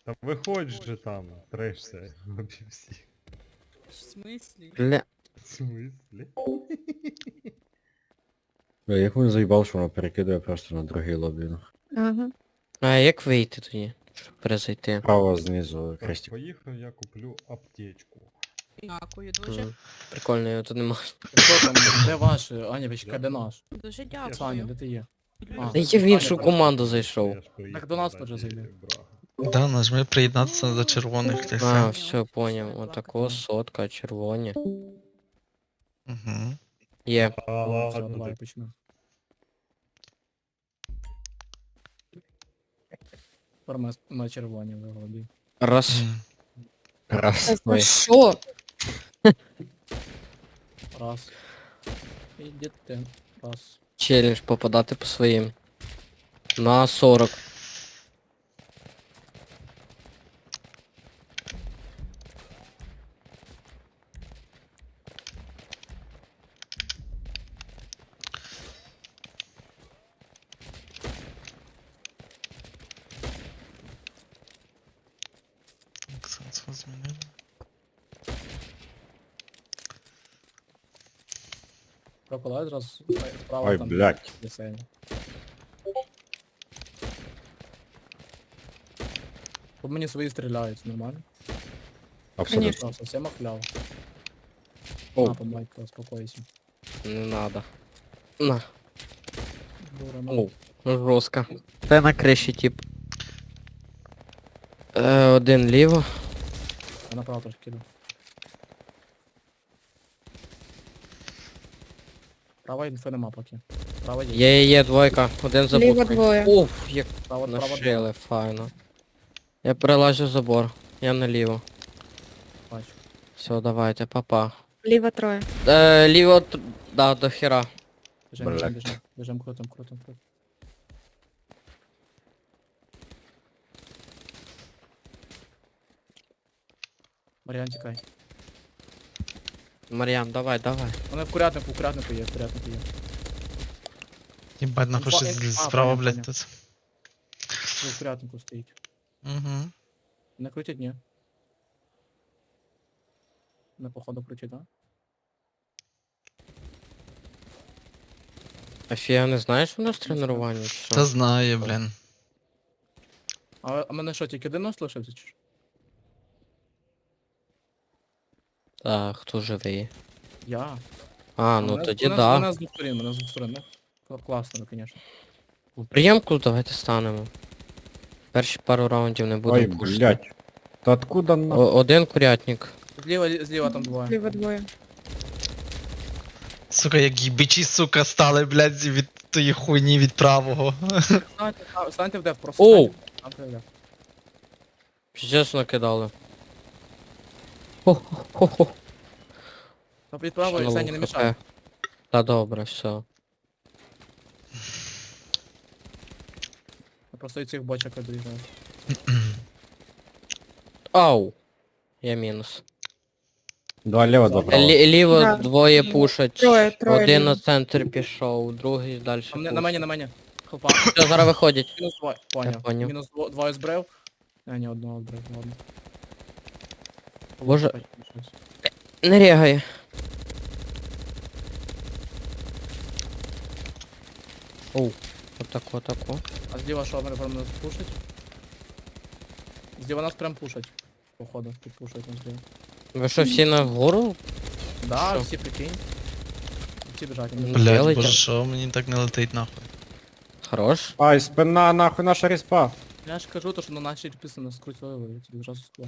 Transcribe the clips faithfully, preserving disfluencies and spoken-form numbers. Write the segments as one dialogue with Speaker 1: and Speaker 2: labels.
Speaker 1: Та виходь же там, трешся, обі всі.
Speaker 2: В смислі?
Speaker 3: Бля.
Speaker 1: В смислі?
Speaker 3: Бля, як він заїбав, що воно перекидує просто на другий лобі. ну.
Speaker 4: Ага.
Speaker 3: А як вийти тоді? Щоб перезайти? Право знизу
Speaker 1: Так,
Speaker 3: хрестик.
Speaker 1: поїхав, я куплю аптечку.
Speaker 2: Дякую дуже.
Speaker 3: М, Прикольно, його тут нема.
Speaker 5: Що там, де ваш? Аня, почекай, де наш?
Speaker 2: Дуже
Speaker 5: Саня,
Speaker 2: дякую.
Speaker 5: де ти є?
Speaker 2: Люблю.
Speaker 5: А.
Speaker 3: Та я в іншу
Speaker 5: Саня,
Speaker 3: команду зайшов.
Speaker 1: Я ж приїхав
Speaker 5: Так до нас
Speaker 1: раді
Speaker 5: теж зайди.
Speaker 1: Брага.
Speaker 6: Да, нажми приєднатися до червоних та
Speaker 3: А,
Speaker 6: все.
Speaker 3: все, поняв. Отако, сотка, червоні.
Speaker 6: Угу.
Speaker 3: Є.
Speaker 1: А,
Speaker 5: О, все,
Speaker 1: ладно,
Speaker 5: давай
Speaker 1: ти
Speaker 5: почнемо. Тепер ми на червоні виглоді.
Speaker 3: Раз. Раз.
Speaker 4: Та
Speaker 3: Ой.
Speaker 4: за що?
Speaker 5: Раз. Ідете. Раз.
Speaker 3: Челлендж попадати по своїм. На сорок.
Speaker 6: Сенс змінили.
Speaker 5: Проколай зразу справа
Speaker 3: Ой,
Speaker 5: там.
Speaker 3: блядь.
Speaker 5: Лісень. Тут мені свої стріляють, нормально?
Speaker 3: Абсолютно.
Speaker 4: Конечно.
Speaker 5: Просто всім охляв.
Speaker 3: О.
Speaker 5: На, помайка, успокойся.
Speaker 3: Не надо. На.
Speaker 5: Дура, на.
Speaker 3: Оу. Ну жорстко. Та на криші тип. Е, один ліво.
Speaker 5: Я направо трошки киду. Права інфи нема поки. Права є.
Speaker 3: Є, є, є, двойка. Один забув.
Speaker 4: Ліво двоє.
Speaker 3: Уф, як
Speaker 5: Право, право
Speaker 3: нашили, файно. Я перелажу забор. Я наліво.
Speaker 5: бачу.
Speaker 3: Все, давайте, папа.
Speaker 4: Ліво троє.
Speaker 3: Е, ліво, т- да, до хера.
Speaker 5: Біжим,
Speaker 3: Блядь.
Speaker 5: біжим, біжим. Біжим, крутим, крутим, крутим. Маріан, тікай.
Speaker 3: Мар'ян, давай, давай.
Speaker 5: Вони в курятнику, в курятнику є, в курятнику є.
Speaker 6: Єбать, нахуй
Speaker 5: Інфа-
Speaker 6: щось
Speaker 5: інфа- а,
Speaker 6: справа,
Speaker 5: поняв,
Speaker 6: блядь,
Speaker 5: поняв.
Speaker 6: тут.
Speaker 5: Ви в курятнику стоїть.
Speaker 6: Угу.
Speaker 5: Не крутять, ні. Не походу крутять, да?
Speaker 3: Афія, не знаєш у нас тренування? чи що?
Speaker 6: Та знає, блін.
Speaker 5: А, а мене що, тільки один нос лишився чи що?
Speaker 3: Так, хто живий?
Speaker 5: Я.
Speaker 3: А, ну
Speaker 5: мене,
Speaker 3: тоді
Speaker 5: мене,
Speaker 3: да.
Speaker 5: Мене з двох сторін, мене з двох сторін, ну. Кла- Класно, звісно.
Speaker 3: В Приємку давайте станемо. Перші пару раундів не
Speaker 7: Ой,
Speaker 3: будемо пушити.
Speaker 7: блядь. Та откуда на...
Speaker 3: О- Один курятник.
Speaker 5: Зліва, зліва там двоє.
Speaker 4: Ліво двоє.
Speaker 6: Сука, як їбичі, сука, стали, блядь, від тої хуйні від правого.
Speaker 5: Станьте, а, станьте в деф, просто
Speaker 3: Оу!
Speaker 5: станьте, станьте в деф.
Speaker 3: Піздець накидали. Хо-хо-хо.
Speaker 5: Та від правої, Сані, не мішай.
Speaker 3: Та добре, все.
Speaker 5: Я просто від цих бочок обрізаю.
Speaker 3: Ау! Я мінус.
Speaker 7: Два лево, два право.
Speaker 3: Лі- ліво
Speaker 4: Да.
Speaker 3: двоє пушать.
Speaker 4: Троє, троє
Speaker 3: Один
Speaker 4: ліво.
Speaker 3: на центр пішов, другий далі.
Speaker 5: А мене- на мені, на мені. Хлопа.
Speaker 3: Все, зараз виходять.
Speaker 5: Мінус двоє. Поняв.
Speaker 3: поняв.
Speaker 5: Мінус дво- двоє збрив. А, ні, одного збрив, ладно.
Speaker 3: Боже.
Speaker 5: Опять щось.
Speaker 3: Не рягає. Оу, отако, отако.
Speaker 5: А зліва що, мене прям нас пушать? Зліва нас прям пушать. Походу, тут пушать нас зліва.
Speaker 3: Ви що, всі на гору?
Speaker 5: Да,
Speaker 3: Що?
Speaker 5: всі прикинь. Всі біжать. вони
Speaker 3: Блядь.
Speaker 5: біжать.
Speaker 6: Блядь,
Speaker 3: Делайте.
Speaker 6: боже, що мені так не летить, нахуй.
Speaker 3: Хорош.
Speaker 7: Ай, спина, нахуй, наша респа.
Speaker 5: Я ж кажу, то, що на нашій підписано скрутили, я тобі зразу сказав.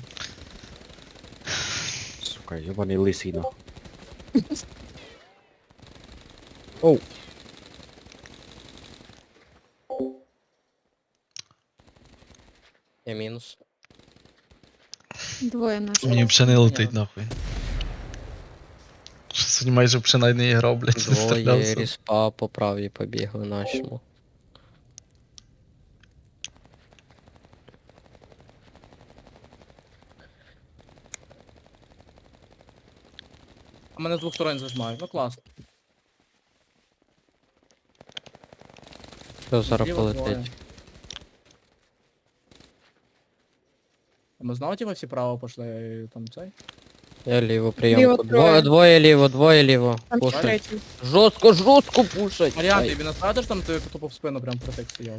Speaker 7: Сука, ебаний лисий, нахуй.
Speaker 3: Оу. Я мінус.
Speaker 4: Двоє наших.
Speaker 6: Мені взагалі не летить, нахуй. Що сьогодні майже взагалі не грав, блядь, не
Speaker 3: Двоє
Speaker 6: стрілявся.
Speaker 3: ріспа по правій побігли нашому.
Speaker 5: А мене з двох сторон зажимають, ну класно.
Speaker 3: Що зараз
Speaker 5: Зліва двоє.
Speaker 3: полетить?
Speaker 5: А ми знову типа всі право пішли, і там цей?
Speaker 3: Я ліво
Speaker 4: Ліво
Speaker 3: прийомку.
Speaker 4: троє.
Speaker 3: Двоє, двоє ліво, двоє ліво.
Speaker 4: Там
Speaker 3: Пушать.
Speaker 4: третій.
Speaker 3: Жорстко, жорстко пушать.
Speaker 5: Маріан,
Speaker 3: Ай.
Speaker 5: ти він скажеш, там ти тупо в спину прям протек стояв.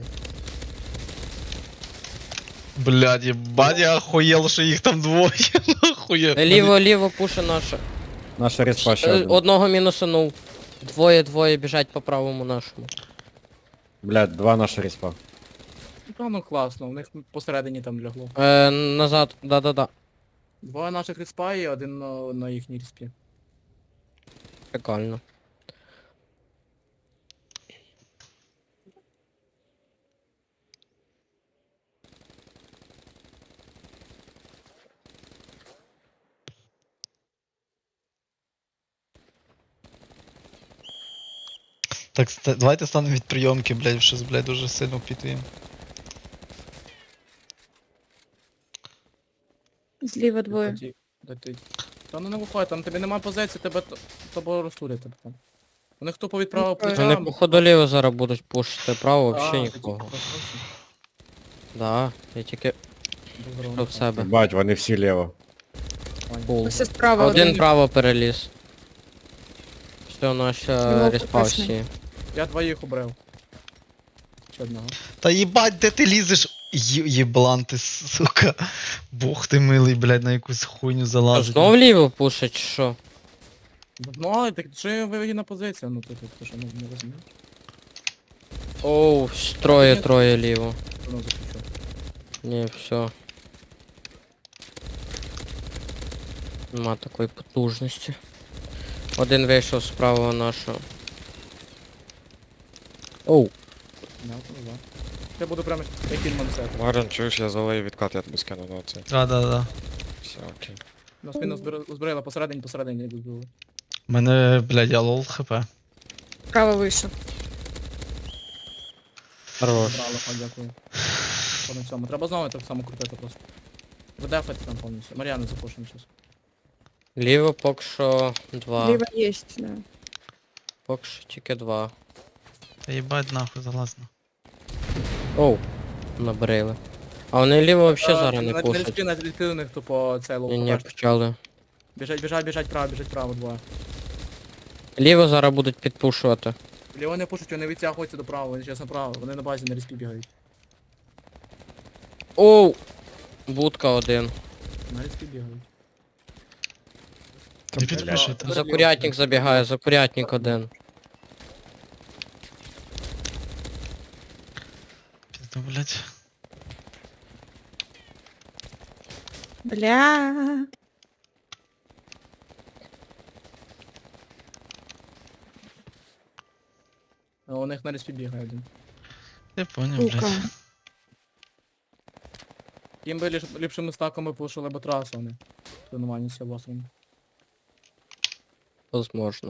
Speaker 6: Блядь, єбать, я охуєл, що їх там двоє. Охуєл.
Speaker 3: Е, Ліво, ліво пуше наше.
Speaker 7: Наша респа ще
Speaker 3: Е,
Speaker 7: один.
Speaker 3: Одного мінусанув. Двоє, двоє біжать по правому нашому.
Speaker 7: Блядь, два наша респа.
Speaker 5: Ну, та, ну класно, у них посередині там лягло.
Speaker 3: Е, назад, да-да-да.
Speaker 5: Двоє наших респа і один на, на їхній респі.
Speaker 3: Прикольно.
Speaker 6: Так, ста- давайте станемо від прийомки, блядь, щось, блядь, дуже сильно впітуємо.
Speaker 4: Зліва двоє.
Speaker 5: Тоді- де ти? Та ну не виходь, там тобі нема позиції, тебе т- тобою розсурять тебе там. У них тупо відправив
Speaker 4: Ну,
Speaker 5: плеча.
Speaker 3: Вони походу ліво зараз будуть пушити, право взагалі
Speaker 5: А,
Speaker 3: нікого.
Speaker 5: тоді просто
Speaker 3: Да, я тільки
Speaker 5: без здоров'я.
Speaker 3: про в себе.
Speaker 7: Бать, вони всі ліво.
Speaker 3: Пул.
Speaker 4: Ось справа
Speaker 3: Один
Speaker 4: один.
Speaker 3: право переліз. Все, наш
Speaker 4: Його
Speaker 3: респав
Speaker 4: поточний.
Speaker 3: всі.
Speaker 5: Я двоїх убрав. Чи одного?
Speaker 6: Та їбать, де ти лізеш? Є- Єблан ти, сука. Бог ти милий, блядь, на якусь хуйню
Speaker 3: А
Speaker 6: залазить.
Speaker 3: знов ліво пушить, чи що?
Speaker 5: Ну, так що є вигідна позиція, ну ти тут ти що не, не розумієш?
Speaker 3: Оу, троє, троє ліво.
Speaker 5: Воно заключав.
Speaker 3: Ні, все. Нема такої потужності. Один вийшов з правого нашого. Оу.
Speaker 5: Понятно, да. Я буду прямо як інмансет.
Speaker 8: Марин, чуєш, я залию відкат, я тобі скину на це.
Speaker 6: Да, да, да.
Speaker 8: Все, окей.
Speaker 5: Нас мінус збрила посередині, посередині не збили.
Speaker 6: У мене, блядь, я лол хп.
Speaker 4: Право вийшов.
Speaker 3: Хорош.
Speaker 5: Брали, а, дякую. По на цьому. Треба знову так само крутити просто. Видефати там повністю. Мар'яни запушимо щас.
Speaker 3: Ліво поки що два.
Speaker 4: Ліва єсть, да.
Speaker 3: Поки що тільки два.
Speaker 6: Та їбать нахуй залазно.
Speaker 3: Оу. Набрили. А вони ліво взагалі зараз не
Speaker 5: На
Speaker 3: пушать.
Speaker 5: респі, на респі у них тупо цей лоу.
Speaker 3: Ні, ні, почали.
Speaker 5: Біжать, біжать, біжать право, біжать право двоє.
Speaker 3: Ліво зараз будуть підпушувати.
Speaker 5: Ліво не пушуть, вони відтягуються до права, вони зараз направо, вони на базі на респі бігають.
Speaker 3: Оу! Будка один.
Speaker 5: На респі бігають.
Speaker 6: Не підпишете.
Speaker 3: За курятник забігає, за курятник один.
Speaker 6: Пізда, блядь.
Speaker 4: Бля.
Speaker 5: А у них на респі бігає один.
Speaker 6: Я поняв,
Speaker 4: Сука.
Speaker 6: блядь.
Speaker 5: Їм би ліш, ліпшими стаками пушили б трасу вони. Тренування з власними.
Speaker 3: Возможно.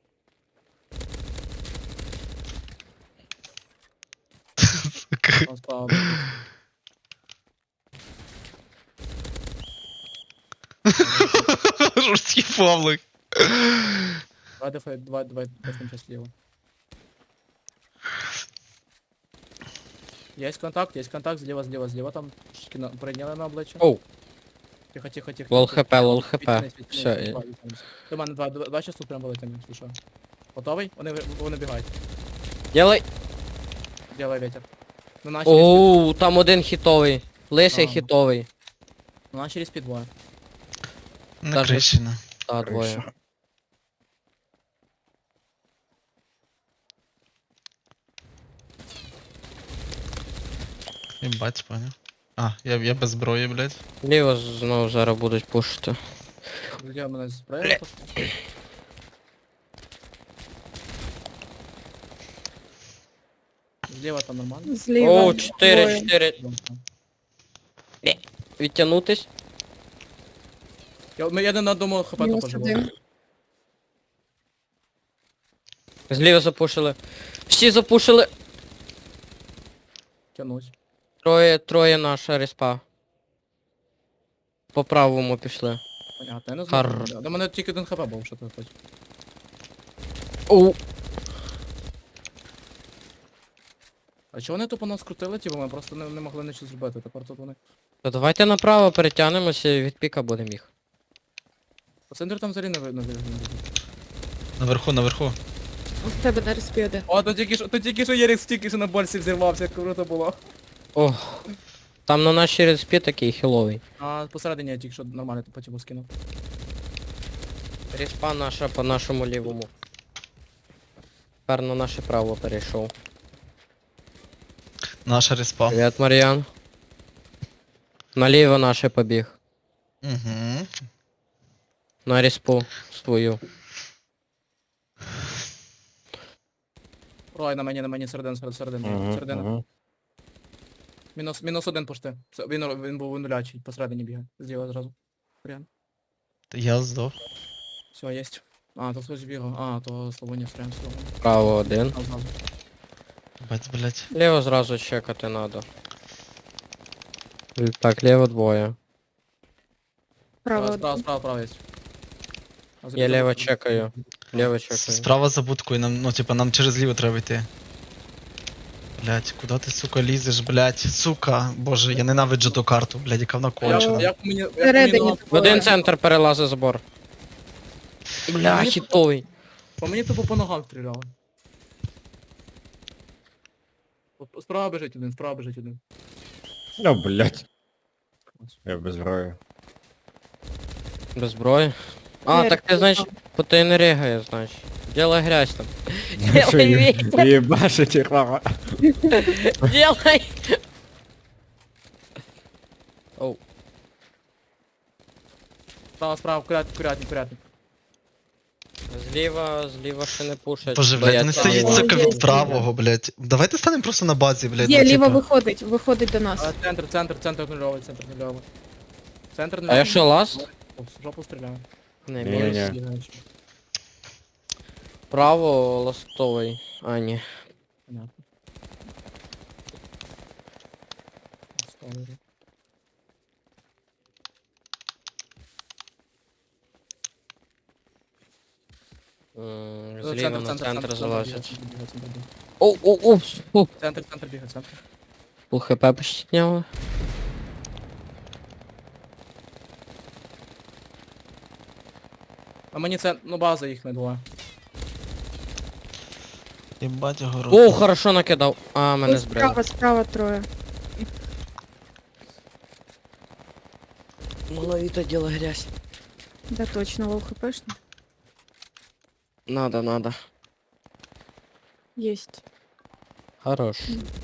Speaker 6: Сука.
Speaker 5: Там справа.
Speaker 6: Жорсткий павлик.
Speaker 5: Давай дефай, давай, давай, дефаем сейчас слева. Есть контакт, есть контакт, слева, слева, слева, там шки на, прийняли на обличчя.
Speaker 3: Оу,
Speaker 5: Тихо, тихо, тихо.
Speaker 3: лол
Speaker 5: тихо.
Speaker 3: хп, лол хп.
Speaker 5: Відтянись, відтянись,
Speaker 3: Все,
Speaker 5: відтянись,
Speaker 3: і-
Speaker 5: два, відтянись. До мене два, два, два щас тут прям вилетимо, слушай. Готовий? Вони, ви- вони бігають.
Speaker 3: Ділай.
Speaker 5: Делай ветер. На нашій респі,
Speaker 3: Оу, там один хітовий. Лисий
Speaker 5: А.
Speaker 3: хітовий.
Speaker 5: на нашій респі двоє.
Speaker 6: На
Speaker 3: Даже-
Speaker 6: криші, на.
Speaker 3: Та, двоє.
Speaker 6: Єбать, поняв. А, я, я без зброї, блядь.
Speaker 3: Ліво знову зараз будуть пушити.
Speaker 5: Де мене зброя? Зліва там нормально.
Speaker 4: Зліва.
Speaker 3: Оу, чотири,
Speaker 4: двоє.
Speaker 3: чотири. Відтягнутись.
Speaker 5: Я, я не на одному хп
Speaker 4: Мінус
Speaker 5: тупо живу.
Speaker 4: один.
Speaker 3: Зліва запушили. Всі запушили.
Speaker 5: Тянусь.
Speaker 3: Троє, троє наша респа. По правому пішли.
Speaker 5: Понятно, я не
Speaker 3: Хар.
Speaker 5: знаю. До мене тільки один хп був, що ти хочеш.
Speaker 3: Оу.
Speaker 5: А чого вони тупо нас крутили, типу, ми просто не, не могли нічого зробити, тепер тут вони.
Speaker 3: То давайте направо перетягнемося і від піка будемо їх.
Speaker 5: По центру там взагалі не видно.
Speaker 6: Наверху, наверху.
Speaker 4: У тебе на респі один.
Speaker 5: О, то тільки що, то тільки що Єрік тільки що на больці взірвався, як круто було.
Speaker 3: Ох. Там на нашій респі такий хіловий.
Speaker 5: А посередині я тільки що нормально по типу скинув.
Speaker 3: Респа наша по нашому лівому. Тепер на наше право перейшов.
Speaker 6: Наша респа.
Speaker 3: Привіт, Мар'ян. Наліво наше побіг.
Speaker 6: Угу.
Speaker 3: На респу свою.
Speaker 5: Ой, на мені, на мені середина, середина, середина.
Speaker 7: Угу,
Speaker 5: середина.
Speaker 7: угу.
Speaker 5: Мінус, мінус один пошти. Все, Він, він був нулячий, посередині бігає. Зліва зразу. Варіант.
Speaker 6: Я здох.
Speaker 5: Все, єсть. А, то хтось бігав. А, то Славоня стрем Славоня.
Speaker 3: Право один.
Speaker 5: А, зразу.
Speaker 6: Бать, блядь.
Speaker 3: Ліво зразу чекати надо. Так, ліво двоє.
Speaker 4: Право
Speaker 5: Справа,
Speaker 4: один.
Speaker 5: справа, справа, справа єсть. А,
Speaker 3: Я
Speaker 5: забіг,
Speaker 3: ліво
Speaker 5: забіг.
Speaker 3: чекаю. Ліво
Speaker 6: С-
Speaker 3: чекаю.
Speaker 6: Справа за будкою, нам, ну типа нам через ліво треба йти. Блять, куди ти, сука, лізеш, блять, сука, боже, я ненавиджу ту карту, блять, яка вона
Speaker 5: Як,
Speaker 6: кончена.
Speaker 5: як мені, як
Speaker 4: Всередині
Speaker 5: мені нога-
Speaker 3: В один центр перелазить забор. Бля,
Speaker 5: Мені-
Speaker 3: хітовий.
Speaker 5: По мені тупо по ногам стріляли. От Справа біжить один, справа біжить один.
Speaker 7: Ну, блядь. Я без зброї.
Speaker 3: Без зброї. А,
Speaker 4: Ні,
Speaker 3: так ти, значить, бо ти не ригає, значить. Делай грязь там.
Speaker 7: Що, є- Єбашить рава.
Speaker 3: Делай! Оу.
Speaker 5: Справа, справа, курятник, курятник, курятник.
Speaker 3: Зліва, зліва ще не пушать.
Speaker 6: Боже, блять, вони
Speaker 3: бояться
Speaker 6: стоїть,
Speaker 3: ліва.
Speaker 6: сука,
Speaker 4: Є,
Speaker 6: від
Speaker 4: є.
Speaker 6: правого, блять. Давайте станемо просто на базі, блять.
Speaker 4: Є,
Speaker 6: ну,
Speaker 4: ліво
Speaker 6: типа.
Speaker 4: виходить, виходить до нас.
Speaker 5: А, центр, центр, центр нульовий, центр нульовий. Центр
Speaker 3: А
Speaker 5: нульовий.
Speaker 3: я що, ласт?
Speaker 5: О, в жопу стріляю.
Speaker 3: Не,
Speaker 7: Ні,
Speaker 3: мінус.
Speaker 7: ні.
Speaker 3: Право ластовий. А, ні.
Speaker 5: Понятно. Ставлю.
Speaker 3: М,
Speaker 5: Е,
Speaker 3: Зліва на центр
Speaker 5: бігає,
Speaker 3: залазять.
Speaker 5: центр бігає, центр бігає.
Speaker 3: Оу, оу, оу, фу.
Speaker 5: Центр, центр бігає, центр.
Speaker 3: Пул хп почти сняла.
Speaker 5: А мені це, ну база їх не двоє.
Speaker 6: Єбать його рот.
Speaker 3: О, хорошо накидав. А, мене
Speaker 4: Ось
Speaker 3: збрили.
Speaker 4: Справа, справа троє.
Speaker 3: Маловито діло грязь.
Speaker 4: Да точно, лоу хпшно.
Speaker 3: Надо, надо.
Speaker 4: Єсть.
Speaker 3: Хорош.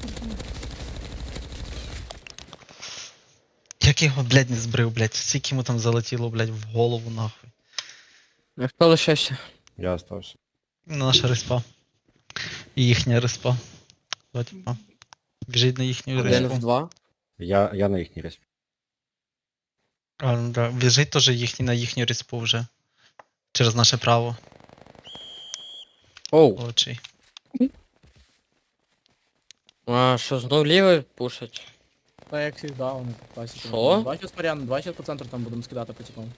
Speaker 6: Як його, блять, не збрив, блять. Скільки йому там залетіло, блять, в голову, нахуй.
Speaker 3: А хто лишився?
Speaker 7: Я остався.
Speaker 6: Ну, наша респа. І їхня респа. Два типа. Біжить на їхню
Speaker 3: Один в
Speaker 6: респу.
Speaker 3: два.
Speaker 7: Я, я на їхній респі.
Speaker 6: А, ну да. Біжить теж їхній на їхню респу вже. Через наше право.
Speaker 3: Оу.
Speaker 6: Очі.
Speaker 3: А, що, знов лівий пушать?
Speaker 5: Та як завжди, вони по класіки.
Speaker 3: Що?
Speaker 5: Два щас Мар'ян, два щас по центру там будемо скидати по типам.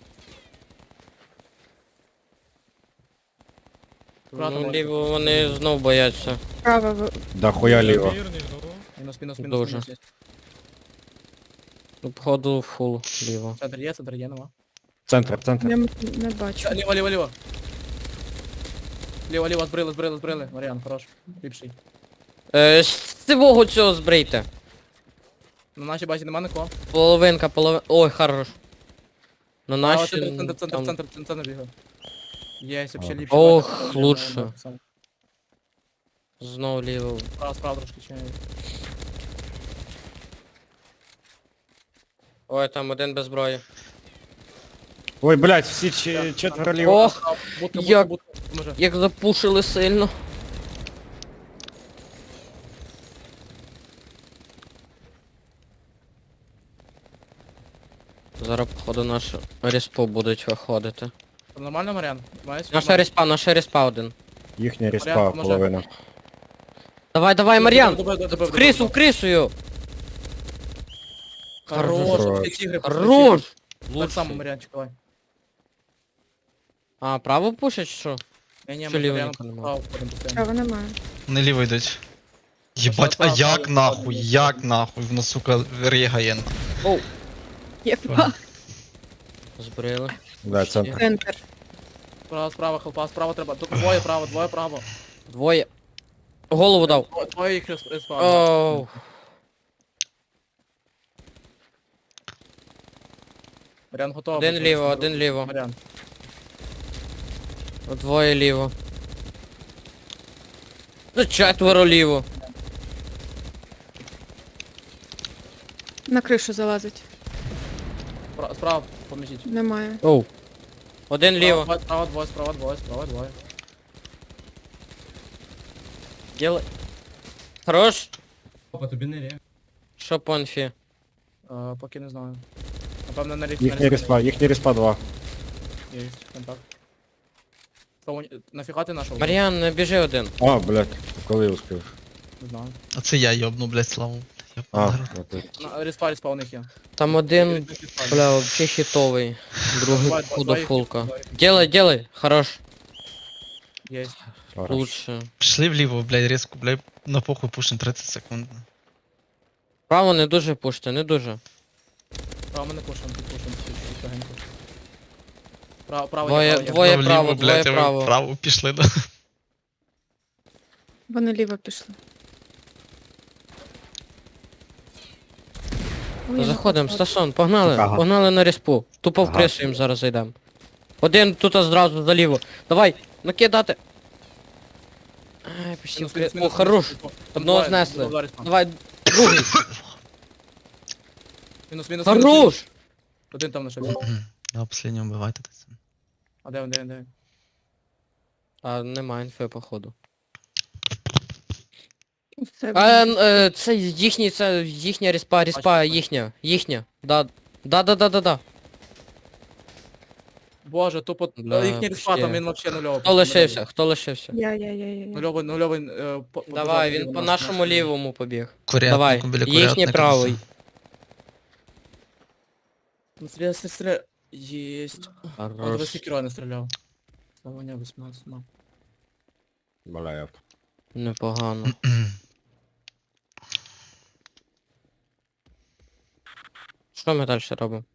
Speaker 5: Аккуратно,
Speaker 3: Ну,
Speaker 5: може.
Speaker 3: ліво вони знов бояться.
Speaker 4: Справа ви-
Speaker 7: Да хуя ліво.
Speaker 5: Мінус, мінус, мінус,
Speaker 3: Дуже.
Speaker 5: мінус є.
Speaker 3: Ну, походу, фул ліво.
Speaker 5: Центр є, центр є, нема.
Speaker 7: Центр, центр.
Speaker 4: я м- не бачу.
Speaker 5: Ліво, ліво, ліво. Ліво, ліво, збрили, збрили, збрили. Мар'ян, хорош. Ліпший.
Speaker 3: Е, з цього цього збрийте.
Speaker 5: На нашій базі нема нікого.
Speaker 3: Половинка, половинка. Ой, хорош. На
Speaker 5: А,
Speaker 3: нашій...
Speaker 5: центр, центр, центр,
Speaker 3: там-
Speaker 5: центр, центр, центр бігає. Єсть, вообще
Speaker 7: Ага.
Speaker 5: ліпший.
Speaker 3: Ох,
Speaker 5: бачиш,
Speaker 3: лучше.
Speaker 5: так само.
Speaker 3: Знов ліво.
Speaker 5: Справа, справа трошки чи.
Speaker 3: Ой, там один без зброї.
Speaker 7: Ой, блядь, всі чи- четверо ліво.
Speaker 3: Ох,
Speaker 5: Будка,
Speaker 3: як-
Speaker 5: будка, будка, може.
Speaker 3: як запушили сильно. Зараз, походу, нашу респу будуть виходити.
Speaker 5: Нормально, Мар'ян? Маєш?
Speaker 3: Наша респа, наша респа один.
Speaker 7: Їхня респа
Speaker 5: Порядок, може.
Speaker 7: половина.
Speaker 3: Давай, давай, Мар'ян!
Speaker 5: Добив, добив, добив,
Speaker 3: В крису, в
Speaker 5: добив.
Speaker 3: крисою!
Speaker 5: Хорош,
Speaker 7: Хорош.
Speaker 5: всі тігри, пошли,
Speaker 3: Хорош!
Speaker 5: тігри. Так само, Мар'янчик, давай.
Speaker 3: А, право пушать, що?
Speaker 5: Я не,
Speaker 3: Що
Speaker 5: ми
Speaker 3: ліво
Speaker 5: Мар'яном
Speaker 3: нікого нема?
Speaker 5: справа входимо постійно.
Speaker 4: Справа немає.
Speaker 6: Вони ліво йдуть. Єбать, а
Speaker 5: справа,
Speaker 6: як
Speaker 5: справа,
Speaker 6: нахуй,
Speaker 5: справа.
Speaker 6: як нахуй, воно, сука, рігає.
Speaker 3: Оу,
Speaker 4: Єба.
Speaker 3: Збрили.
Speaker 7: Да, центр.
Speaker 4: Центр.
Speaker 5: Справа, справа, хелпа, справа треба. Тут двоє право, двоє право.
Speaker 3: Двоє. Голову дав.
Speaker 5: Двоє- Двоє їх рес- респавнять.
Speaker 3: Оу.
Speaker 5: Маріан готовий.
Speaker 3: Один
Speaker 5: працює,
Speaker 3: ліво,
Speaker 5: що
Speaker 3: один
Speaker 5: робити?
Speaker 3: ліво.
Speaker 5: Маріан.
Speaker 3: Двоє ліво. Ну, четверо ліво.
Speaker 4: На кришу залазить.
Speaker 5: Спра- Справа, поміжіть.
Speaker 4: Немає.
Speaker 3: Оу. Один ліво.
Speaker 5: Справа, справа, двоє, справа, двоє, справа, двоє.
Speaker 3: Діли. Хорош.
Speaker 9: Опа, тобі не рє.
Speaker 3: Що по інфі?
Speaker 5: Е, Поки не знаю. Напевно, на ріф.
Speaker 7: Їхній респа, їхній респа два.
Speaker 5: Є, контакт. Що, нафіга ти нашов?
Speaker 3: Мар'ян, не біжи один.
Speaker 7: А, блядь, коли успів?
Speaker 5: Не знаю.
Speaker 6: Оце я йобну, блядь, славу. Йобну
Speaker 7: А,
Speaker 6: народ.
Speaker 7: ну ти.
Speaker 5: На респа, респа у них є.
Speaker 3: Там один,
Speaker 5: Респа.
Speaker 3: бля, вообще хітовий. Другий
Speaker 5: Давай, давай,
Speaker 3: худофулка.
Speaker 5: давай.
Speaker 3: Делай, делай. Хорош.
Speaker 5: Є.
Speaker 7: Хорош.
Speaker 3: Лучше.
Speaker 6: Пішли вліво, блядь, різко, блядь, на похуй пушим тридцять секунд.
Speaker 3: Право не дуже пуште, не дуже.
Speaker 5: Право ми не пушимо, тут пушимо чуть-чуть легенько. Право, право,
Speaker 3: Двоє-
Speaker 5: є, право, є.
Speaker 3: двоє
Speaker 6: Вліво,
Speaker 3: право,
Speaker 6: блядь,
Speaker 3: двоє
Speaker 6: а ви
Speaker 3: право.
Speaker 6: Вправо пішли, да.
Speaker 4: Вони ліво пішли. Ой, я
Speaker 3: Заходимо,
Speaker 4: написала.
Speaker 3: Стасон, погнали,
Speaker 7: Ага.
Speaker 3: погнали на респу. Тупо в
Speaker 7: Ага.
Speaker 3: крису їм зараз зайдемо. Один тут зразу заліво. Давай, накидати. Ай, почти
Speaker 5: Мінус,
Speaker 3: в кри...
Speaker 5: мінус,
Speaker 3: О,
Speaker 5: мінус,
Speaker 3: хорош.
Speaker 5: мінус. Там
Speaker 3: Одного
Speaker 5: двоє,
Speaker 3: знесли.
Speaker 5: два респа.
Speaker 3: Давай, другий.
Speaker 5: Мінус, мінус, мінус.
Speaker 3: Хорош!
Speaker 5: Один там нашився.
Speaker 6: Да, последнього вбивайте це.
Speaker 5: А де він, де він, де він?
Speaker 3: А, нема інфи, походу.
Speaker 4: Це
Speaker 3: А, н- е, це їхній, це їхня респа, респа,
Speaker 5: Бачу,
Speaker 3: їхня, їхня. Да. Да, да, да, да, да.
Speaker 5: Боже, тупо
Speaker 3: Бля,
Speaker 5: їхній респа,
Speaker 3: почти.
Speaker 5: там він вообще нульовий.
Speaker 3: Хто лишився? Хто лишився?
Speaker 4: Я, я, я, я, я.
Speaker 5: Нульовий, нульовий, е, по- по
Speaker 3: Давай,
Speaker 5: дорозі
Speaker 3: він по
Speaker 5: нас
Speaker 3: нашому
Speaker 5: нахуй.
Speaker 3: лівому побіг.
Speaker 6: Курятнику,
Speaker 3: Давай,
Speaker 6: біля
Speaker 3: їхній
Speaker 6: курятника.
Speaker 3: правий.
Speaker 5: Ну, стріляй, стріляй, стріляй. Єсть. А,
Speaker 3: Хорош.
Speaker 5: два секіра не стріляв. Слава не вісімнадцять, мав.
Speaker 7: Бля, я.
Speaker 3: Непогано. Що ми далі робимо?